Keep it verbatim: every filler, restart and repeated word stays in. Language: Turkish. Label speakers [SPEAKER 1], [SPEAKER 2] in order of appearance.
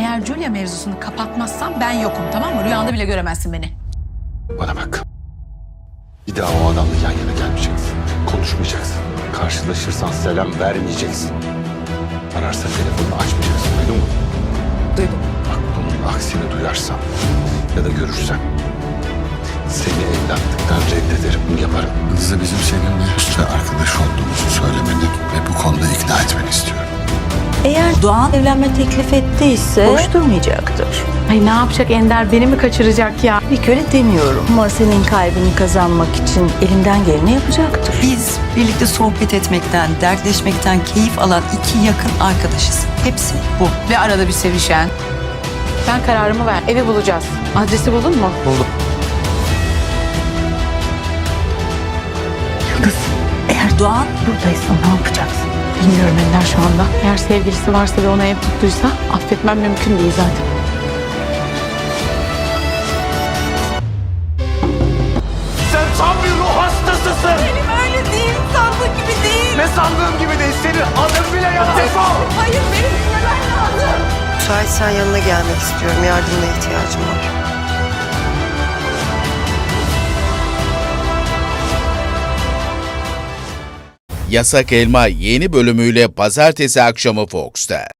[SPEAKER 1] Eğer Julia mevzusunu kapatmazsam ben yokum, tamam mı? Rüyanda bile göremezsin beni.
[SPEAKER 2] Bana bak. Bir daha o adamla yan yana gelmeyeceksin. Konuşmayacaksın. Karşılaşırsan selam vermeyeceksin. Ararsa telefonunu açmayacaksın. Duydun mu?
[SPEAKER 1] Duydum.
[SPEAKER 2] Bak bunun aksini duyarsam ya da görürsem seni evlatlıktan reddederim. Bunu yaparım.
[SPEAKER 3] Kızı bizim seninle usta arkadaş olduğumuzu söylemeni ve bu konuda ikna etmeni istiyorum.
[SPEAKER 4] Eğer Doğan evlenme teklif ettiyse boş durmayacaktır.
[SPEAKER 1] Ay ne yapacak Ender? Beni mi kaçıracak ya?
[SPEAKER 4] Bir köle demiyorum ama senin kalbini kazanmak için elinden geleni yapacaktır.
[SPEAKER 5] Biz birlikte sohbet etmekten, dertleşmekten keyif alan iki yakın arkadaşız. Hepsi bu.
[SPEAKER 1] Ve arada bir sevişen. Ben kararımı ver. Evi bulacağız. Adresi buldun mu?
[SPEAKER 2] Buldum.
[SPEAKER 4] Yıldız, eğer Doğan buradaysa ne yapacaksın?
[SPEAKER 1] Bilmiyorum Ender şu anda. Eğer sevgilisi varsa ve ona ev tuttuysa affetmem mümkün değil zaten.
[SPEAKER 6] Sen tam bir ruh hastasısın.
[SPEAKER 4] Benim öyle değil, sandığın gibi değil.
[SPEAKER 6] Ne sandığım gibi değil. Senin adın bile yalan. Defol.
[SPEAKER 4] Hayır, benim dinlemen lazım.
[SPEAKER 7] Müsaitsen yanına gelmek istiyorum. Yardımına ihtiyacım var.
[SPEAKER 8] Yasak Elma yeni bölümüyle pazartesi akşamı Fox'ta.